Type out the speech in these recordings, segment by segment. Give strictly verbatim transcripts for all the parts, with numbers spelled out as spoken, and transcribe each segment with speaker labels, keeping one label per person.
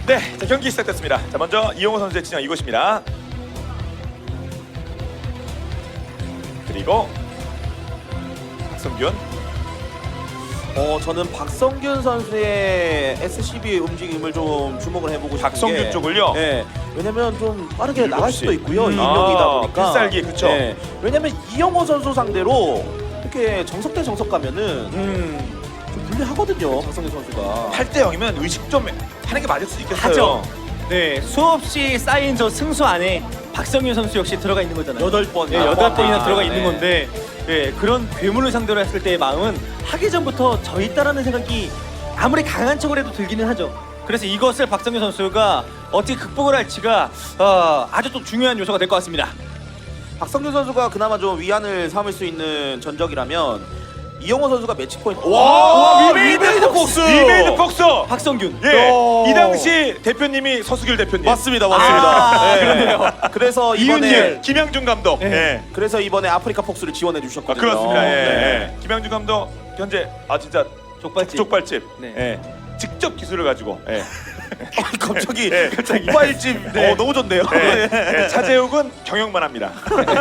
Speaker 1: 네, 자, 경기 시작됐습니다. 자, 먼저 이영호 선수의 진영 이곳입니다. 그리고 박성균.
Speaker 2: 어 저는 박성균 선수의 에스씨비 움직임을 좀 주목을 해보고 싶은
Speaker 1: 박성균
Speaker 2: 게,
Speaker 1: 쪽을요?
Speaker 2: 네, 왜냐면 좀 빠르게
Speaker 1: 일곱
Speaker 2: 나갈
Speaker 1: 시.
Speaker 2: 수도 있고요.
Speaker 1: 음.
Speaker 2: 이명이다
Speaker 1: 아,
Speaker 2: 보니까.
Speaker 1: 필살기, 그쵸?
Speaker 2: 네, 왜냐면 이영호 선수 상대로 이렇게 정석 대 정석 가면은
Speaker 1: 음,
Speaker 2: 좀 불리하거든요. 박성균 선수가.
Speaker 1: 팔 대 영이면 의식 좀 하는 게 맞을 수 있겠어요.
Speaker 3: 하죠. 네, 수없이 쌓인 저 승수 안에 박성균 선수 역시 들어가 있는 거잖아요.
Speaker 2: 여덟 번.
Speaker 3: 네, 여덟 번이나
Speaker 2: 아,
Speaker 3: 들어가
Speaker 2: 네.
Speaker 3: 있는 건데, 네, 그런 괴물을 상대로 했을 때의 마음은 하기 전부터 져 있다라는 생각이 아무리 강한 척을 해도 들기는 하죠. 그래서 이것을 박성균 선수가 어떻게 극복을 할지가 어, 아주 또 중요한 요소가 될 것 같습니다.
Speaker 2: 박성균 선수가 그나마 좀 위안을 삼을 수 있는 전적이라면 이영호 선수가 매치 포인트.
Speaker 1: 와,
Speaker 2: 위메이드 폭스.
Speaker 1: 위메이드 폭스.
Speaker 3: 박성균.
Speaker 1: 예,
Speaker 2: 오.
Speaker 1: 이 당시 대표님이 서수길 대표님.
Speaker 2: 맞습니다, 맞습니다.
Speaker 3: 아,
Speaker 2: 네.
Speaker 3: 그러네요.
Speaker 2: 그래서 이번에
Speaker 1: 이윤열, 김양준 감독.
Speaker 3: 네.
Speaker 1: 예.
Speaker 2: 그래서 이번에 아프리카 폭스를 지원해
Speaker 1: 아,
Speaker 2: 주셨거든요.
Speaker 1: 그렇습니다. 예.
Speaker 2: 네.
Speaker 1: 예. 김양준 감독 현재 아 진짜
Speaker 3: 족발집.
Speaker 1: 족발집.
Speaker 3: 네.
Speaker 1: 예. 직접 기술을 가지고. 예.
Speaker 2: 갑자기
Speaker 1: 예.
Speaker 2: 족발집
Speaker 1: 네.
Speaker 2: 어, 너무 좋네요.
Speaker 1: 예. 예. 차재욱은 경영만 합니다.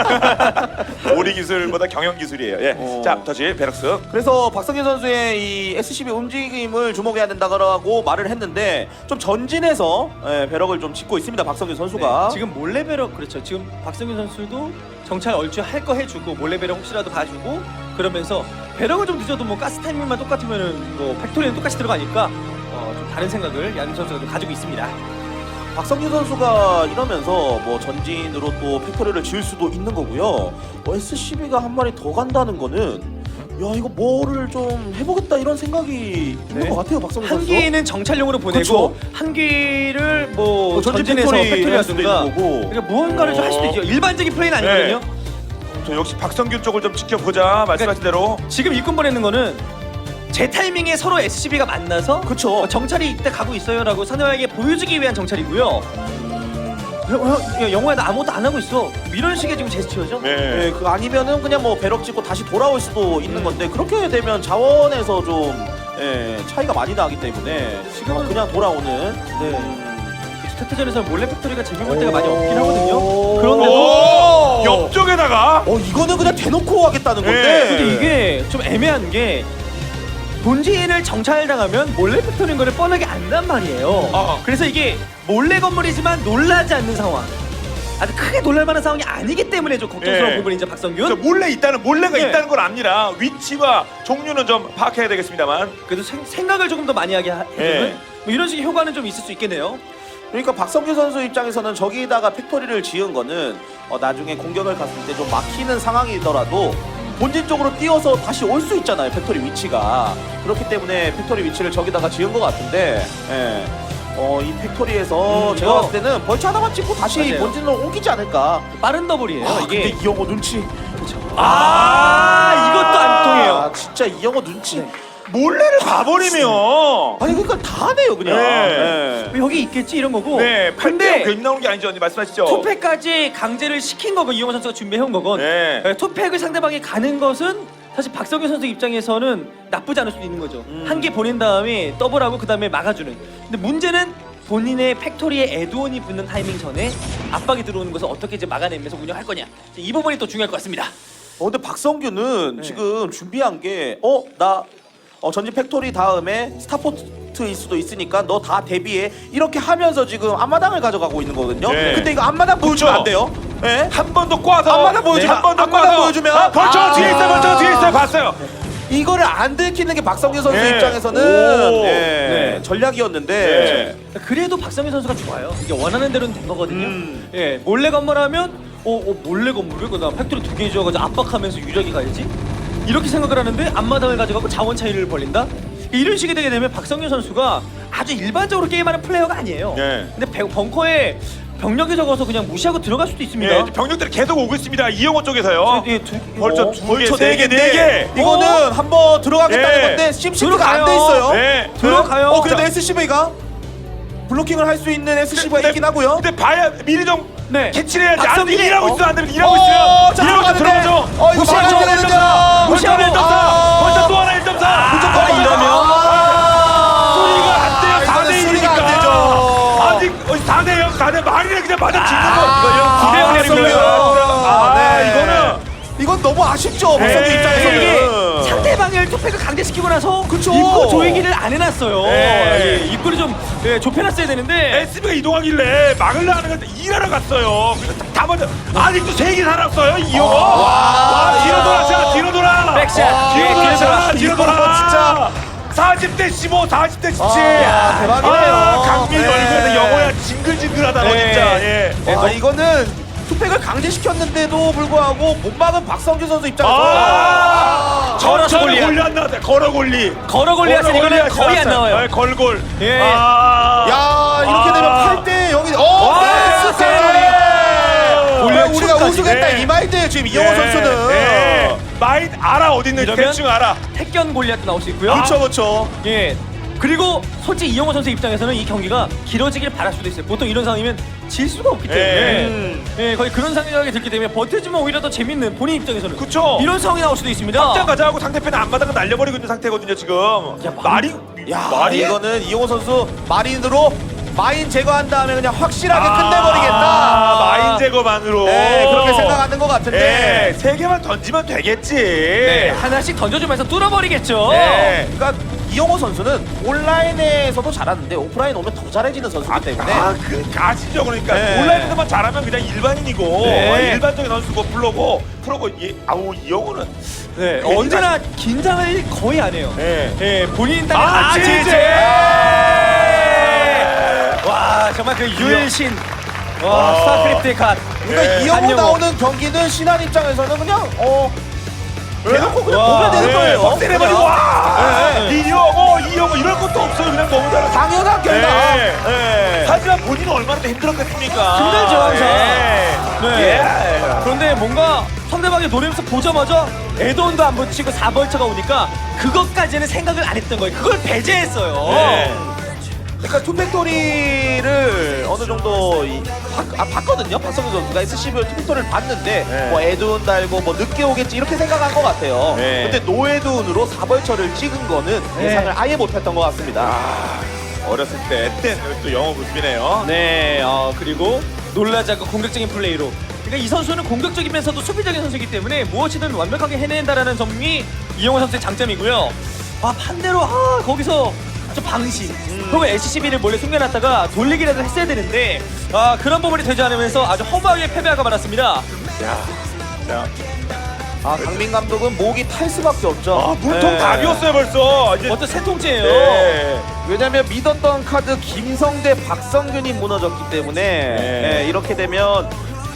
Speaker 1: 오리 기술보다 경영 기술이에요. 예.
Speaker 2: 어.
Speaker 1: 자, 터치 베럭스.
Speaker 2: 그래서 박성균 선수의 이 에스씨비 움직임을 주목해야 된다고 말을 했는데 좀 전진해서 예, 배럭을 좀 짚고 있습니다. 박성균 선수가.
Speaker 3: 네, 지금 몰래 배럭 그렇죠. 지금 박성균 선수도 정찰 얼추 할 거 해주고 몰래 배럭 혹시라도 가주고 그러면서 배럭을 좀 늦어도 뭐 가스 타이밍만 똑같으면은 뭐 팩토리는 똑같이 들어가니까 어, 좀 다른 생각을 양 선수가 좀 가지고 있습니다.
Speaker 2: 박성균 선수가 이러면서 뭐 전진으로 또 팩토리를 지을 수도 있는 거고요. 뭐 에스씨비가 한 마리 더 간다는 거는 야 이거 뭐를 좀 해보겠다 이런 생각이 있는
Speaker 3: 네.
Speaker 2: 것 같아요. 박성균
Speaker 3: 한
Speaker 2: 선수.
Speaker 3: 개는 정찰용으로 보내고
Speaker 2: 그쵸.
Speaker 3: 한 개를 뭐
Speaker 2: 뭐 전진
Speaker 3: 전진해서
Speaker 2: 팩토리 할 수도
Speaker 3: 팩토리하든가
Speaker 2: 있는 거고.
Speaker 3: 그러니까 무언가를 좀 할 수도 있죠. 일반적인 플레이는 아니거든요.
Speaker 1: 저 역시 박성균 쪽을 좀 지켜보자. 말씀하신 대로.
Speaker 3: 지금 일꾼 보내는 거는 제 타이밍에 서로 에스씨비가 만나서
Speaker 2: 그쵸.
Speaker 3: 어, 정찰이 이때 가고 있어요라고 선영에게 보여주기 위한 정찰이고요. 야, 영호야 나 아무것도 안 하고 있어. 이런 식의 지금 제스처죠.
Speaker 1: 네.
Speaker 2: 예, 그 아니면은 그냥 뭐 배럭 찍고 다시 돌아올 수도 있는 건데 그렇게 되면 자원에서 좀 예, 차이가 많이 나기 때문에 지금은
Speaker 3: 어.
Speaker 2: 그냥 돌아오는.
Speaker 3: 네. 스타트전에서 몰래 팩토리가 재미볼 때가 많이
Speaker 2: 오.
Speaker 3: 없긴 하거든요.
Speaker 1: 오!
Speaker 3: 그런데도
Speaker 1: 옆쪽에다가
Speaker 2: 어 이거는 그냥 대놓고 하겠다는 건데.
Speaker 1: 네.
Speaker 3: 근데 이게 좀 애매한 게 본진을 정찰당하면 몰래 팩토리인 거를 뻔하게 안단 말이에요.
Speaker 1: 아.
Speaker 3: 그래서 이게 몰래 건물이지만 놀라지 않는 상황. 아주 크게 놀랄 만한 상황이 아니기 때문에 좀 걱정스러운
Speaker 1: 예.
Speaker 3: 부분이죠,
Speaker 1: 저
Speaker 3: 박성균.
Speaker 1: 몰래 있다는 몰래가
Speaker 3: 네.
Speaker 1: 있다는 걸 압니다. 위치와 종류는 좀 파악해야 되겠습니다만.
Speaker 3: 그래도 생, 생각을 조금 더 많이 하게 하- 해주는
Speaker 1: 예.
Speaker 3: 뭐 이런 식의 효과는 좀 있을 수 있겠네요.
Speaker 2: 그러니까 박성규 선수 입장에서는 저기다가 팩토리를 지은 거는 어, 나중에 공격을 갔을 때 좀 막히는 상황이더라도 본진 쪽으로 뛰어서 다시 올 수 있잖아요. 팩토리 위치가. 그렇기 때문에 팩토리 위치를 저기다가 지은 것 같은데 예. 어, 이 팩토리에서
Speaker 3: 음,
Speaker 2: 제가
Speaker 3: 이거-
Speaker 2: 봤을 때는 벌처 하나만 찍고 다시
Speaker 3: 맞아요.
Speaker 2: 본진으로 옮기지 않을까.
Speaker 3: 빠른 더블이에요.
Speaker 2: 아,
Speaker 3: 이게
Speaker 2: 근데 이영호 눈치.
Speaker 3: 아, 이것도 안 통해요.
Speaker 2: 아, 진짜 이영호 눈치.
Speaker 3: 네.
Speaker 1: 몰래를 봐버리면.
Speaker 2: 아니 그러니까 다 하네요 그냥.
Speaker 1: 네.
Speaker 2: 예.
Speaker 3: 여기 있겠지 이런 거고.
Speaker 1: 네, 팔 대 영
Speaker 3: 근데
Speaker 1: 괜히 나오는 게 아니죠. 언니 말씀하시죠.
Speaker 3: 투팩까지 강제를 시킨 거고 이영호 선수가 준비해온 거건
Speaker 1: 네.
Speaker 3: 네, 투팩을 상대방이 가는 것은 사실 박성균 선수 입장에서는 나쁘지 않을 수도 있는 거죠.
Speaker 2: 음.
Speaker 3: 한 개 보낸 다음에 더블하고 그 다음에 막아주는. 근데 문제는 본인의 팩토리에 에드온이 붙는 타이밍 전에 압박이 들어오는 것을 어떻게 이제 막아내면서 운영할 거냐. 이 부분이 또 중요할 것 같습니다.
Speaker 2: 어 근데 박성규는
Speaker 3: 네.
Speaker 2: 지금 준비한 게 어 나 어, 전진 팩토리 다음에 스타포트일 수도 있으니까 너 다 대비해 이렇게 하면서 지금 앞마당을 가져가고 있는 거거든요.
Speaker 1: 네.
Speaker 2: 근데 이거 앞마당 보여주면
Speaker 1: 그렇죠.
Speaker 2: 안 돼요. 예?
Speaker 1: 한 번 더 꽈서
Speaker 2: 앞마당 보여주면
Speaker 1: 한 번 더
Speaker 2: 앞마당
Speaker 1: 꽈서
Speaker 2: 보여주면
Speaker 1: 아, 벌써
Speaker 2: 아.
Speaker 1: 뒤에 있어요. 벌써 뒤에 있어요. 봤어요.
Speaker 2: 이거를 안 들키는 게 박성규 선수
Speaker 1: 네.
Speaker 2: 입장에서는
Speaker 1: 오.
Speaker 2: 예,
Speaker 3: 네.
Speaker 2: 전략이었는데
Speaker 3: 그래도 박성균 선수가 좋아요. 이게 원하는 대로는 된 거거든요.
Speaker 2: 음.
Speaker 3: 예, 몰래 건물하면 어, 어 몰래 건물을 그다음 팩토리 두 개 지어가지고 압박하면서 유력이 가야지. 이렇게 생각을 하는데 앞마당을 가져가고 자원 차이를 벌린다. 이런 식이 되게 되면 박성균 선수가 아주 일반적으로 게임하는 플레이어가 아니에요.
Speaker 1: 네.
Speaker 3: 근데 배- 벙커에 병력이 적어서 그냥 무시하고 들어갈 수도 있습니다.
Speaker 1: 예, 병력들이 계속 오고 있습니다. 이영호 쪽에서요.
Speaker 3: 예, 두-
Speaker 1: 벌써
Speaker 2: 어,
Speaker 1: 두 개,
Speaker 2: 벌써
Speaker 1: 세 개, 네 개.
Speaker 2: 이거는 한번 들어가겠다는
Speaker 1: 예.
Speaker 2: 건데 심시티가
Speaker 3: 들어가요.
Speaker 2: 안 돼 있어요.
Speaker 1: 네.
Speaker 3: 들어가요.
Speaker 2: 어 근데 에스씨비가 블로킹을 할 수 있는 에스씨비가 있긴 하고요.
Speaker 1: 근데 봐야 미리 좀
Speaker 3: 네.
Speaker 1: 캐치를 해야지. 안 돼.
Speaker 3: 박성균이-
Speaker 1: 일하고
Speaker 2: 어.
Speaker 1: 있어. 안 되면 일하고
Speaker 2: 어,
Speaker 1: 있어요.
Speaker 2: 자,
Speaker 1: 일하고 있어.
Speaker 2: 들어가는데.
Speaker 1: 들어가죠.
Speaker 2: 어, 이거
Speaker 1: 무시하고
Speaker 2: 맞춰야
Speaker 1: 일 점 사.
Speaker 2: 되는데요.
Speaker 1: 무시하고 일 점 사.
Speaker 2: 아.
Speaker 1: 벌써 또 하나 일 점 사.
Speaker 2: 무조건
Speaker 1: 아,
Speaker 2: 이러면
Speaker 1: 소리가 안 돼요.
Speaker 2: 아,
Speaker 1: 사 대
Speaker 2: 이거는
Speaker 1: 일이니까.
Speaker 2: 소리가 안 되죠.
Speaker 1: 아, 맞아 지금
Speaker 3: 이거 구 대 영 내리고요.
Speaker 1: 아,
Speaker 2: 네.
Speaker 1: 이거는
Speaker 2: 이건 너무 아쉽죠. 박성균
Speaker 1: 네.
Speaker 2: 입장에서는.
Speaker 3: 이게 상대방을 투팩을 강제시키고 나서
Speaker 2: 그쵸.
Speaker 3: 입구 조이기를 안 해놨어요.
Speaker 1: 네.
Speaker 3: 예, 입구를 좀 예, 좁혀놨어야 되는데
Speaker 1: 에스비가 이동하길래 막으려 하는 걸 일하러 갔어요. 그래서 다 먼저 아직도 세 개 살았어요 이영호. 와, 뒤로 돌아, 자 뒤로 돌아.
Speaker 3: 백샷.
Speaker 1: 뒤로
Speaker 3: 예,
Speaker 1: 돌아,
Speaker 3: 뒤로
Speaker 1: 자
Speaker 3: 돌아.
Speaker 1: 뒤로
Speaker 2: 이거
Speaker 1: 돌아.
Speaker 2: 진짜.
Speaker 1: 사십 대 십오, 사십 대 십칠.
Speaker 2: 아, 대박이네요.
Speaker 1: 아, 강민
Speaker 2: 네.
Speaker 1: 얼굴에서 영호야 징글징글하다 너
Speaker 3: 네.
Speaker 1: 진짜. 예.
Speaker 2: 와, 이거는 투팩을 강제시켰는데도 불구하고 못 막은 박성균 선수 입장에서
Speaker 1: 아,
Speaker 3: 걸어서
Speaker 1: 천천히
Speaker 3: 골리앗.
Speaker 1: 골리 안 나왔다. 걸어 골리.
Speaker 3: 걸어 골리앗은 이거는
Speaker 1: 골리앗이
Speaker 3: 거의 안
Speaker 1: 나왔어요.
Speaker 3: 나와요.
Speaker 1: 네, 걸골.
Speaker 3: 예.
Speaker 1: 아.
Speaker 2: 야, 이렇게
Speaker 1: 아.
Speaker 2: 되면 팔 대 영이 어,
Speaker 3: 와,
Speaker 2: 네,
Speaker 3: 세레머니.
Speaker 2: 네.
Speaker 3: 골리앗
Speaker 2: 우리가
Speaker 3: 춤까지.
Speaker 2: 우승했다
Speaker 1: 네.
Speaker 2: 이 마인드 지금 이영호 선수는.
Speaker 1: 예. 마인 알아 어디 있는지
Speaker 3: 이러면
Speaker 1: 대충 알아.
Speaker 3: 택견 골리앗도 나올 수 있고요.
Speaker 2: 그렇죠, 그렇죠.
Speaker 3: 예. 그리고 솔직히 이영호 선수 입장에서는 이 경기가 길어지길 바랄 수도 있어요. 보통 이런 상황이면 질 수가 없기 때문에
Speaker 1: 예.
Speaker 3: 예, 거의 그런 상황이 들기 때문에 버텨주면 오히려 더 재밌는 본인 입장에서는
Speaker 1: 그쵸.
Speaker 3: 이런 상황이 나올 수도 있습니다.
Speaker 1: 확장 가자 하고 상대편의 앞마당을 날려버리고 있는 상태거든요 지금.
Speaker 3: 야,
Speaker 1: 말이
Speaker 2: 야,
Speaker 1: 말이
Speaker 2: 이거는 이영호 선수 마린으로 마인 제거한 다음에 그냥 확실하게
Speaker 1: 아,
Speaker 2: 끝내버리겠다.
Speaker 1: 마인 제거만으로.
Speaker 2: 네, 그렇게 생각하는 것 같은데.
Speaker 1: 예, 세 개만 던지면 되겠지.
Speaker 3: 네, 하나씩 던져주면서 뚫어버리겠죠.
Speaker 1: 네.
Speaker 2: 그러니까 이영호 선수는 온라인에서도 잘하는데 오프라인 오면 더 잘해지는 선수이기 때문에.
Speaker 1: 아, 그 아시죠? 그러니까
Speaker 2: 네.
Speaker 1: 온라인에서만 잘하면 그냥 일반인이고
Speaker 3: 네.
Speaker 1: 일반적인 선수고 프로고 프로고 이 아우 이 영호는
Speaker 3: 네,
Speaker 1: 괜히
Speaker 3: 언제나 긴장을 거의 안 해요.
Speaker 1: 예.
Speaker 3: 예, 본인 땅에
Speaker 1: 아,
Speaker 3: 아,
Speaker 1: 진짜.
Speaker 3: 와, 정말 그 유일신. 와,
Speaker 1: 와.
Speaker 3: 스타크래프트의 갓.
Speaker 2: 그러니까
Speaker 1: 네.
Speaker 2: 이영호
Speaker 3: 한영호.
Speaker 2: 나오는 경기는 신한 입장에서는 그냥 어 대놓고 그냥
Speaker 3: 와.
Speaker 2: 보면 되는
Speaker 1: 네,
Speaker 2: 거예요.
Speaker 1: 확대해버리고
Speaker 2: 그냥.
Speaker 1: 와!
Speaker 2: 네.
Speaker 1: 이 영호 이 영호 이럴 것도 없어요. 그냥 너무 잘해.
Speaker 2: 당연한 결과.
Speaker 1: 네.
Speaker 2: 네.
Speaker 1: 하지만 본인은 얼마나 더 힘들었겠습니까?
Speaker 3: 힘들죠, 항상.
Speaker 1: 네.
Speaker 3: 네.
Speaker 1: 예.
Speaker 3: 그런데 뭔가 상대방이 노리면서 보자마자 에드온도 안 붙이고 사 벌처가 오니까 그것까지는 생각을 안 했던 거예요. 그걸 배제했어요.
Speaker 1: 네.
Speaker 2: 그러니까 투팩토리를 어느 정도 이, 바, 아, 봤거든요. 박성균 선수가 에스씨브이 투팩토리를 봤는데
Speaker 1: 네.
Speaker 2: 뭐 에드운 달고 뭐 늦게 오겠지 이렇게 생각한 것 같아요.
Speaker 1: 네.
Speaker 2: 근데 노에드운으로 사벌처를 찍은 거는
Speaker 3: 네.
Speaker 2: 예상을 아예 못했던 것 같습니다.
Speaker 1: 아, 어렸을 때 땐 또 영어 모습이네요.
Speaker 3: 네, 어, 그리고 놀라지 않고 공격적인 플레이로. 그러니까 이 선수는 공격적이면서도 수비적인 선수이기 때문에 무엇이든 완벽하게 해낸다라는 점이 이영호 선수의 장점이고요. 아, 반대로 아, 거기서 좀 방심. 그리고 에스씨비를 몰래 숨겨놨다가 돌리기라도 했어야 되는데 아, 그런 부분이 되지 않으면서 아주 허무하게 패배하고 말았습니다.
Speaker 1: 야, 야.
Speaker 2: 아, 강민 감독은 목이 탈 수밖에 없죠.
Speaker 1: 아, 물통
Speaker 2: 네.
Speaker 1: 다 비웠어요 벌써. 이제
Speaker 3: 어떤 세 통째예요.
Speaker 1: 네.
Speaker 2: 왜냐면 믿었던 카드 김성대, 박성균이 무너졌기 때문에
Speaker 1: 네.
Speaker 2: 예, 이렇게 되면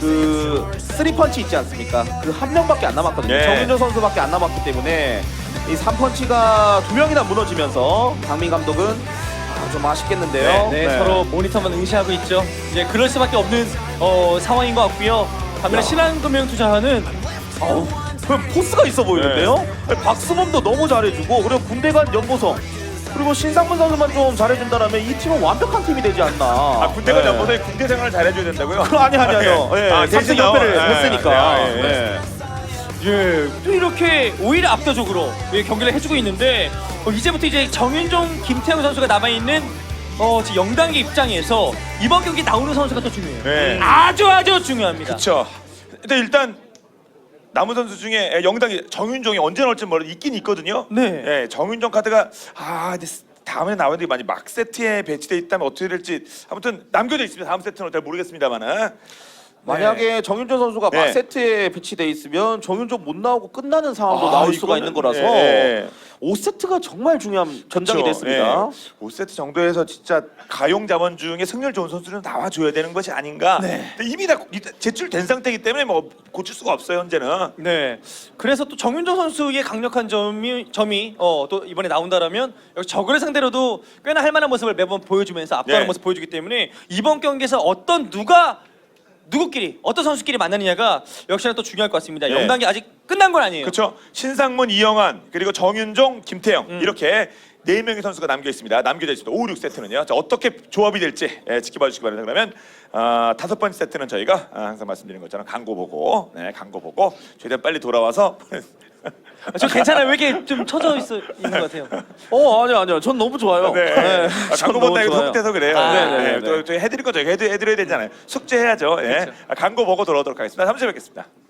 Speaker 2: 그 쓰리펀치 있지 않습니까? 그 한 명밖에 안 남았거든요.
Speaker 1: 네.
Speaker 2: 정윤조 선수밖에 안 남았기 때문에 이 삼펀치가 두 명이나 무너지면서 강민 감독은 아, 좀 아쉽겠는데요.
Speaker 3: 네,
Speaker 2: 네.
Speaker 3: 서로 모니터만 응시하고 있죠. 이제 그럴 수밖에 없는 어, 상황인 것 같고요. 반면에
Speaker 2: 야.
Speaker 3: 신한금융투자는
Speaker 2: 어우, 그럼 포스가 있어 보이는데요? 박수범도 너무 잘해주고 그리고 군대간 연보성 그리고 신상문 선수만 좀 잘해준다면 이 팀은 완벽한 팀이 되지 않나.
Speaker 1: 아, 군대가
Speaker 2: 네.
Speaker 1: 연보서에 군대 생활을 잘해줘야 된다고요?
Speaker 2: 그 아니 아니 아니요.
Speaker 1: 아,
Speaker 2: 예,
Speaker 1: 아,
Speaker 2: 대신
Speaker 1: 대신
Speaker 2: 연패를
Speaker 1: 나와.
Speaker 2: 했으니까.
Speaker 1: 예, 예, 예.
Speaker 2: 네.
Speaker 3: 예, 또 이렇게 오히려 압도적으로 예, 경기를 해주고 있는데 어, 이제부터 이제 정윤종, 김태형 선수가 남아있는 어, 지금 영단계 입장에서 이번 경기 나오는 선수가 더 중요해요.
Speaker 1: 네.
Speaker 3: 아주 아주 중요합니다.
Speaker 1: 그렇죠. 근데 일단 남은 선수 중에 영당이 정윤종이 언제 나올지 모르 있긴 있거든요.
Speaker 3: 네.
Speaker 1: 예, 정윤종 카드가 아 근데 다음에 나오는데 많이 막 세트에 배치돼 있다면 어떻게 될지 아무튼 남겨져 있습니다. 다음 세트는 잘 모르겠습니다만은.
Speaker 2: 만약에 정윤조 선수가
Speaker 1: 네.
Speaker 2: 막 세트에 배치돼 있으면 정윤조 못 나오고 끝나는 상황도
Speaker 1: 아,
Speaker 2: 나올 수가
Speaker 1: 이거는-
Speaker 2: 있는 거라서
Speaker 1: 예.
Speaker 2: 오 세트가 정말 중요한 전장이 됐습니다.
Speaker 1: 오 세트 정도에서 진짜 가용 자원 중에 승률 좋은 선수는 나와줘야 되는 것이 아닌가.
Speaker 3: 네.
Speaker 1: 근데 이미 다 제출된 상태이기 때문에 뭐 고칠 수가 없어요 현재는.
Speaker 3: 네. 그래서 또 정윤종 선수의 강력한 점이 점이 어, 또 이번에 나온다라면 역시 적을 상대로도 꽤나 할 만한 모습을 매번 보여주면서 압도하는
Speaker 1: 네.
Speaker 3: 모습 보여주기 때문에 이번 경기에서 어떤 누가 누구끼리 어떤 선수끼리 만나느냐가 역시나 또 중요할 것 같습니다.
Speaker 1: 네.
Speaker 3: 영단계 아직 끝난 건 아니에요.
Speaker 1: 그렇죠. 신상문, 이영환 그리고 정윤종, 김태형
Speaker 3: 음.
Speaker 1: 이렇게 네 명의 선수가 남겨 있습니다. 남겨져 있습니다. 오, 육 세트는요. 자, 어떻게 조합이 될지 예, 지켜봐 주시기 바랍니다. 그러면 어, 다섯 번째 세트는 저희가 아, 항상 말씀드리는 것처럼 광고 보고, 네, 광고 보고 최대한 빨리 돌아와서
Speaker 3: 저 괜찮아요. 왜 이렇게 좀 처져 있어 있는 것 같아요.
Speaker 2: 어 아니요 아니요 전 너무 좋아요.
Speaker 1: 네.
Speaker 2: 네,
Speaker 1: 아,
Speaker 2: 전
Speaker 1: 광고
Speaker 2: 너무
Speaker 1: 본다 이거
Speaker 2: 좋아요.
Speaker 1: 속돼서 그래요.
Speaker 3: 아,
Speaker 1: 네,
Speaker 2: 네네네.
Speaker 1: 네. 또, 또 해드릴 거죠. 해드, 해드려야 되잖아요. 숙제해야죠. 예.
Speaker 3: 그렇죠.
Speaker 1: 아, 광고 보고 돌아오도록 하겠습니다. 삼 주에 뵙겠습니다.